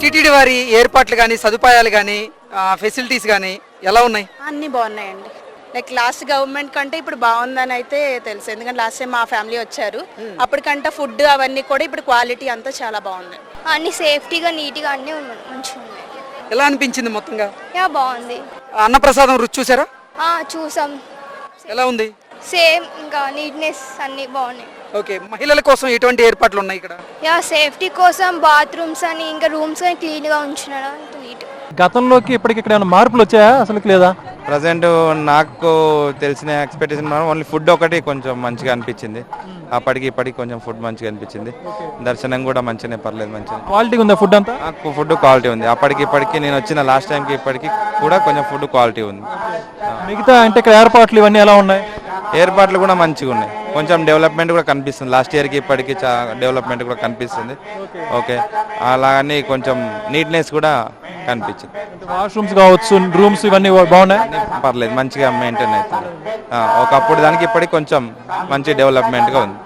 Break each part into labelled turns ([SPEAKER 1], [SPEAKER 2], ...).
[SPEAKER 1] TTD వారి ఏర్పాట్లు కానీ సదుపాయాలు కానీ ఫెసిలిటీస్ కానీ ఎలా ఉన్నాయి?
[SPEAKER 2] అన్నీ బాగున్నాయండి. లైక్ లాస్ట్ గవర్నమెంట్ కంటే ఇప్పుడు బాగుందని అయితే తెలుసు. ఎందుకంటే లాస్ట్ టైం మా ఫ్యామిలీ వచ్చారు, అప్పటికంటే ఫుడ్ అవన్నీ కూడా ఇప్పుడు క్వాలిటీ అంతా చాలా బాగుంది.
[SPEAKER 3] అన్ని సేఫ్టీగా నీట్గా అన్నీ మంచిగా ఉన్నాయి.
[SPEAKER 1] ఎలా అనిపించింది మొత్తంగా?
[SPEAKER 3] బాగుంది.
[SPEAKER 1] అన్నప్రసాదం రుచి చూసారా?
[SPEAKER 3] చూసాం.
[SPEAKER 1] ఎలా ఉంది? సేమ్,
[SPEAKER 3] ఇంకా నీట్నెస్ అన్ని బాగున్నాయి.
[SPEAKER 1] ఓకే, మహిళల కోసం ఎటువంటి ఏర్పాట్లు ఉన్నాయి ఇక్కడ?
[SPEAKER 3] సేఫ్టీ కోసం బాత్రూమ్స్ అని ఇంకా రూమ్స్ అని క్లీన్గా ఉంచినాడు, నీట్.
[SPEAKER 4] గతంలోకి ఇప్పటికి ఇక్కడ ఏమైనా మార్పులు వచ్చాయా అసలు లేదా?
[SPEAKER 5] ప్రజెంట్ నాకు తెలిసిన ఎక్స్పెక్టేషన్ ఓన్లీ ఫుడ్ ఒకటి కొంచెం మంచిగా అనిపించింది. అప్పటికి ఇప్పటికి కొంచెం ఫుడ్ మంచిగా అనిపించింది. దర్శనం కూడా మంచిగానే, పర్లేదు, మంచిగా
[SPEAKER 4] క్వాలిటీ ఉందా ఫుడ్ అంతా?
[SPEAKER 5] ఫుడ్ క్వాలిటీ ఉంది. అప్పటికి ఇప్పటికి నేను వచ్చిన లాస్ట్ టైంకి ఇప్పటికి కూడా కొంచెం ఫుడ్ క్వాలిటీ ఉంది.
[SPEAKER 4] మిగతా అంటే ఇక్కడ ఏర్పాట్లు ఇవన్నీ ఎలా ఉన్నాయి?
[SPEAKER 5] ఏర్పాట్లు కూడా మంచిగా ఉన్నాయి. కొంచెం డెవలప్మెంట్ కూడా కనిపిస్తుంది. లాస్ట్ ఇయర్కి ఇప్పటికి డెవలప్మెంట్ కూడా కనిపిస్తుంది. ఓకే, అలాగని కొంచెం నీట్నెస్ కూడా కనిపించింది.
[SPEAKER 4] వాష్రూమ్స్ కావచ్చు, రూమ్స్ ఇవన్నీ బాగున్నాయి,
[SPEAKER 5] పర్లేదు, మంచిగా మెయింటైన్ అవుతుంది. ఒకప్పుడు దానికి ఇప్పటికి కొంచెం మంచి డెవలప్మెంట్గా ఉంది.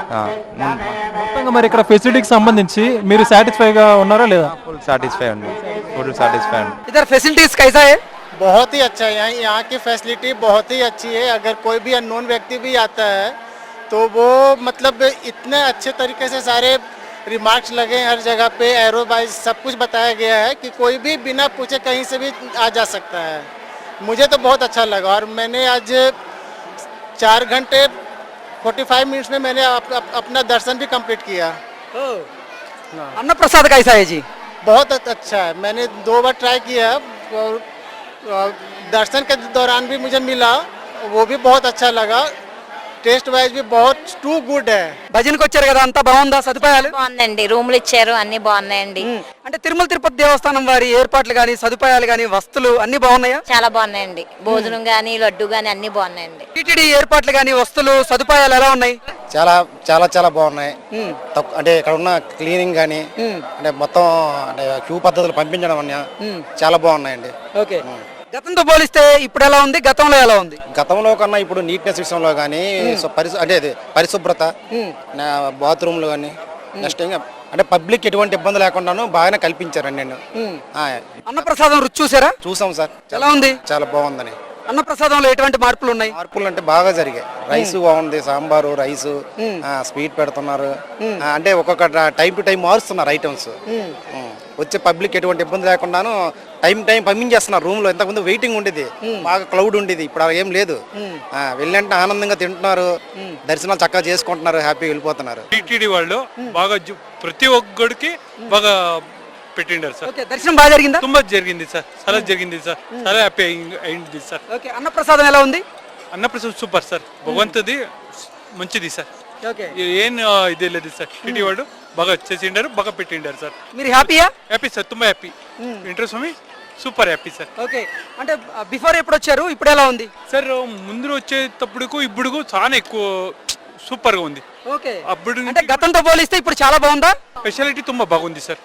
[SPEAKER 4] మొత్తంగా మరి ఇక్కడ ఫెసిలిటీకి సంబంధించి మీరు సాటిస్ఫైగా ఉన్నారా లేదా?
[SPEAKER 5] ఫుల్ సాటిస్ఫై ఉంది, ఫుల్ సాటిస్ఫై ఉంది.
[SPEAKER 1] इधर फैसिलिटीज कैसा है?
[SPEAKER 6] बहुत ही अच्छा है। यहाँ की फैसिलिटी बहुत ही अच्छी है। अगर कोई भी अननोन व्यक्ति भी आता है तो वो मतलब इतने अच्छे तरीके से सारे रिमार्क्स लगे हैं हर जगह पे, एरो वाइज सब कुछ बताया गया है कि कोई भी बिना पूछे कहीं से भी आ जा सकता है। मुझे तो बहुत अच्छा लगा और मैंने आज 4 घंटे 45 मिनट्स में मैंने अपना दर्शन भी कंप्लीट किया।
[SPEAKER 1] अन्नप्रसाद कैसा है जी?
[SPEAKER 6] बहुत अच्छा है। मैंने 2 बार ट्राई किया और दर्शन के दौरान भी मुझे मिला, वो भी बहुत अच्छा लगा। టేస్ట్ వైజ్ బి బహుత్ టూ గుడ్ है।
[SPEAKER 1] భజనకి వచ్చారు కదా, అంతా బాగుందా? సదుపాయాలు
[SPEAKER 7] బాగుందండి, రూములు ఇచ్చారు, అన్ని బాగున్నాయండి.
[SPEAKER 1] అంటే తిరుమల తిరుపతి దేవస్థానం వారి ఏర్పాట్లు కానీ సదుపాయాలు కానీ వస్తువులు అన్ని బాగున్నాయా?
[SPEAKER 7] చాలా బాగున్నాయండి. భోజనం గానీ లడ్డు గానీ అన్ని బాగున్నాయండి.
[SPEAKER 1] టీటీడీ ఏర్పాట్లు కానీ వస్తువులు సదుపాయాలు ఎలా ఉన్నాయి?
[SPEAKER 8] చాలా చాలా చాలా బాగున్నాయి. అంటే ఇక్కడ ఉన్న క్లీనింగ్ కానీ అంటే మొత్తం అంటే క్యూ పద్ధతులు పంపించడం అన్న చాలా బాగున్నాయండి.
[SPEAKER 1] ఓకే, గతంతో పోలిస్తే ఇప్పుడు ఎలా ఉంది, గతంలో ఎలా ఉంది?
[SPEAKER 8] గతంలో కన్నా ఇప్పుడు నీట్నెస్ విషయంలో కానీ అంటే పరిశుభ్రత, బాత్రూమ్లు కానీ నెక్స్ట్ అంటే పబ్లిక్ ఎటువంటి ఇబ్బంది లేకుండాను బాగానే కల్పించారండి. నేను
[SPEAKER 1] అన్నప్రసాదం రుచి చూసారా?
[SPEAKER 8] చూసాం సార్.
[SPEAKER 1] ఎలా ఉంది?
[SPEAKER 8] చాలా బాగుందని.
[SPEAKER 1] అన్నప్రసాదంలో ఎటువంటి మార్పులు ఉన్నాయి?
[SPEAKER 8] మార్పులు అంటే బాగా జరిగాయి. రైస్ బాగుంది, సాంబారు, రైస్, స్వీట్ పెడుతున్నారు. అంటే ఒక్కొక్క టైం టు టైం మారుస్తున్నారు ఐటమ్స్. వచ్చే పబ్లిక్ ఎటువంటి ఇబ్బంది లేకుండాను టైం పంపించేస్తున్నారు. రూమ్ లో ఇంతకుముందు వెయిటింగ్ ఉండేది, బాగా క్లౌడ్ ఉండేది, ఇప్పుడు అలా ఏం లేదు. వెళ్ళంటే ఆనందంగా తింటున్నారు, దర్శనాలు చక్కగా చేసుకుంటున్నారు, హ్యాపీగా వెళ్ళిపోతున్నారు.
[SPEAKER 9] టీటీడీ వాళ్ళు బాగా ప్రతి ఒక్కడికి బాగా పెట్టిండారు సార్.
[SPEAKER 1] దర్శనం బాగా జరిగిందా?
[SPEAKER 9] ತುಂಬಾ జరిగింది సార్, చాలా జరిగింది సార్, చాలా హ్యాపీ అయింది సార్.
[SPEAKER 1] ఓకే, అన్నప్రసాదం ఎలా ఉంది?
[SPEAKER 9] అన్నప్రసాదం సూపర్ సార్, భగవంతుది మంచిది సార్. ఏం ఇదే లేదు సార్. టీటీ వాళ్ళు బాగా చేసిండారు, బాగా పెట్టిండారు సార్.
[SPEAKER 1] మీరు హ్యాపీయా?
[SPEAKER 9] హ్యాపీ సార్, ತುಂಬಾ హ్యాపీ. ఇంట్రెస్ట్ స్వామి సూపర్ హ్యాపీ సార్.
[SPEAKER 1] ఓకే, అంటే బిఫోర్ ఎప్పుడు వచ్చారు, ఇప్పుడు ఎలా ఉంది
[SPEAKER 9] సార్? ముందు వచ్చేటప్పుడుకు ఇప్పుడు చాలా ఎక్కువ సూపర్ గా ఉంది.
[SPEAKER 1] ఓకే,
[SPEAKER 9] అప్పుడు
[SPEAKER 1] అంటే గతంతో పోలిస్తే ఇప్పుడు చాలా బాగుందా?
[SPEAKER 9] స్పెషాలిటీ ತುಂಬಾ బాగుంది సార్.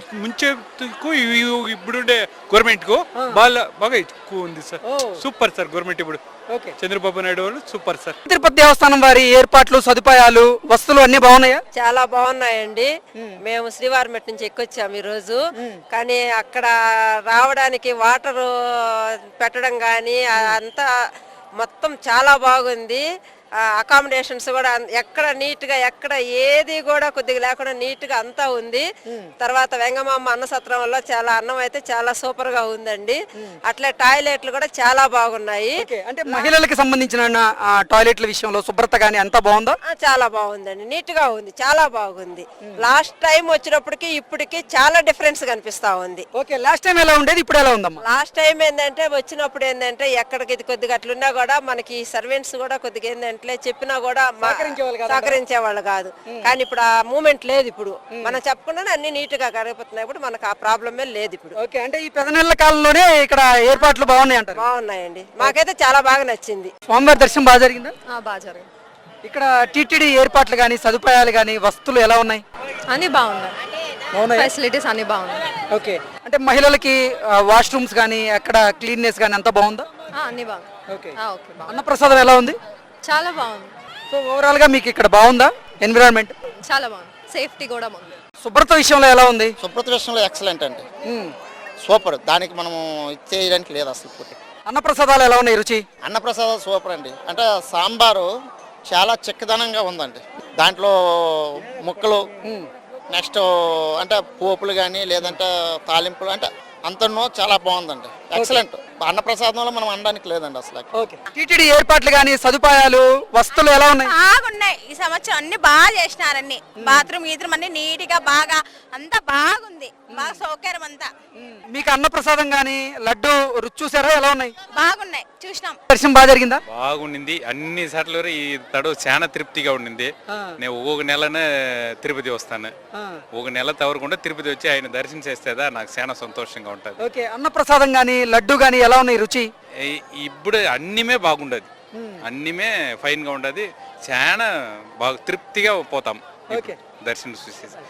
[SPEAKER 9] ముంచేకు ఇప్పుడుండే గవర్నమెంట్ కు బాగా ఎక్కువ ఉంది సార్. సూపర్ సార్ గవర్నమెంట్ ఇప్పుడు. చంద్రబాబు నాయుడు వాళ్ళు సూపర్ సార్.
[SPEAKER 1] తిరుపతి దేవస్థానం వారి ఏర్పాట్లు, సదుపాయాలు, వస్తువులు అన్ని బాగున్నాయా?
[SPEAKER 10] చాలా బాగున్నాయండి. మేము శ్రీవారిమెట్ నుంచి ఎక్కొచ్చాము ఈ రోజు. కానీ అక్కడ రావడానికి వాటర్ పెట్టడం కానీ అంతా మొత్తం చాలా బాగుంది. అకామిడేషన్స్ కూడా ఎక్కడ నీట్ గా, ఎక్కడ ఏది కూడా కొద్దిగా లేకుండా నీట్ గా అంతా ఉంది. తర్వాత వెంగమామ అన్న సత్రం వల్ల చాలా అన్నం అయితే చాలా సూపర్ గా ఉందండి. అట్లే టాయిలెట్లు కూడా చాలా బాగున్నాయి.
[SPEAKER 1] అంటే మహిళలకు సంబంధించిన టాయిలెట్ల విషయంలో శుభ్రత గానీ అంతా బాగుందా?
[SPEAKER 10] చాలా బాగుందండి, నీట్ గా ఉంది, చాలా బాగుంది. లాస్ట్ టైం వచ్చినప్పటికి ఇప్పటికి చాలా డిఫరెన్స్ కనిపిస్తా ఉంది.
[SPEAKER 1] ఓకే, లాస్ట్ టైం ఎలా ఉండేది, ఇప్పుడు ఎలా ఉందమ్మా?
[SPEAKER 10] లాస్ట్ టైం ఏంటంటే వచ్చినప్పుడు ఏంటంటే ఎక్కడికి ఇది కొద్దిగా అట్లున్నా కూడా మనకి సర్వెంట్స్ కూడా కొద్దిగా ఏంటంటే చెప్పినా కూడా సహకరించే వాళ్ళు కాదు. కానీ ఇప్పుడు ఆ మూమెంట్ లేదు. ఇప్పుడు మనం చెప్పకుండానే అన్ని నీట్ గా కరిగిపోతున్నాయి. ఇప్పుడు మనకు ఆ ప్రాబ్లమే లేదు ఇప్పుడు.
[SPEAKER 1] ఓకే, అంటే ఈ 10 నెలల కాలంలోనే ఇక్కడ ఏర్పాట్లు బాగున్నాయి అంటారు?
[SPEAKER 10] బాగున్నాయండి, మాకైతే చాలా బాగా నచ్చింది.
[SPEAKER 1] స్వామివారి దర్శనం బాగా జరిగిందా?
[SPEAKER 2] బాగా జరిగింది.
[SPEAKER 1] ఇక్కడ టీటీడీ ఏర్పాట్లు కానీ సదుపాయాలు కానీ వస్తువులు ఎలా ఉన్నాయి?
[SPEAKER 2] అన్ని బాగున్నాయి, ఫెసిలిటీస్ అన్ని బాగున్నాయి.
[SPEAKER 1] ఓకే, అంటే మహిళలకి వాష్రూమ్స్ కానీ అక్కడ క్లీన్నెస్ కానీ అంతా బాగుందా?
[SPEAKER 2] అన్ని బాగుంది.
[SPEAKER 1] ఓకే, అన్నప్రసాదం ఎలా ఉంది?
[SPEAKER 2] చాలా బాగుంది.
[SPEAKER 1] సో ఓవరాల్ గా మీకు ఇక్కడ బాగుందా ఎన్విరాన్మెంట్?
[SPEAKER 2] చాలా బాగుంది, సేఫ్టీ కూడా బాగుంది.
[SPEAKER 1] శుభ్రత విషయంలో ఎలా ఉంది?
[SPEAKER 6] శుభ్రత విషయంలో ఎక్సలెంట్ అండి, సూపర్. దానికి మనము ఇచ్చేయడానికి లేదు అసలు.
[SPEAKER 1] అన్నప్రసాదాలు ఎలా ఉన్నాయి రుచి?
[SPEAKER 6] అన్నప్రసాదం సూపర్ అండి. అంటే సాంబారు చాలా చిక్కదనంగా ఉందండి. దాంట్లో ముక్కలు, నెక్స్ట్ అంటే పోపులు కానీ లేదంటే తాలింపులు అంటే అంతనో చాలా బాగుందండి, ఎక్సలెంట్. అన్నప్రసాదంలో మనం అనడానికి లేదండి అసలు.
[SPEAKER 1] టీటీడీ ఏర్పాట్లు కానీ సదుపాయాలు వస్తువులు ఎలా ఉన్నాయి?
[SPEAKER 11] బాగున్నాయి. ఈ సంవత్సరం అన్ని బాగా చేసినారన్ని, బాత్రూమ్ గీత్రూమ్ అన్ని నీట్ గా బాగా అంతా బాగుంది, బాగా సౌకర్యం అంతా.
[SPEAKER 1] మీకు అన్నప్రసాదం కానీ లడ్డు రుచి చూసారా ఎలా ఉన్నాయి?
[SPEAKER 11] బాగున్నాయి, చూసినాం.
[SPEAKER 1] దర్శనం బాగా జరిగిందా?
[SPEAKER 9] బాగుండింది అన్ని సార్లు ఈ తడువు చాలా తృప్తిగా ఉండింది. నేను ఒక నెలనే తిరుపతి వస్తాను, ఒక నెల తవరకుండా తిరుపతి వచ్చి ఆయన దర్శనం చేస్తేదా నాకు చాలా సంతోషంగా ఉంటుంది.
[SPEAKER 1] ఓకే, అన్నప్రసాదం కానీ లడ్డు కానీ ఎలా ఉన్నాయి రుచి?
[SPEAKER 9] ఇప్పుడు అన్నిమే బాగుండదు, అన్నిమే ఫైన్ గా ఉండదు, చాలా బాగా తృప్తిగా పోతాం దర్శనం చూసేసి.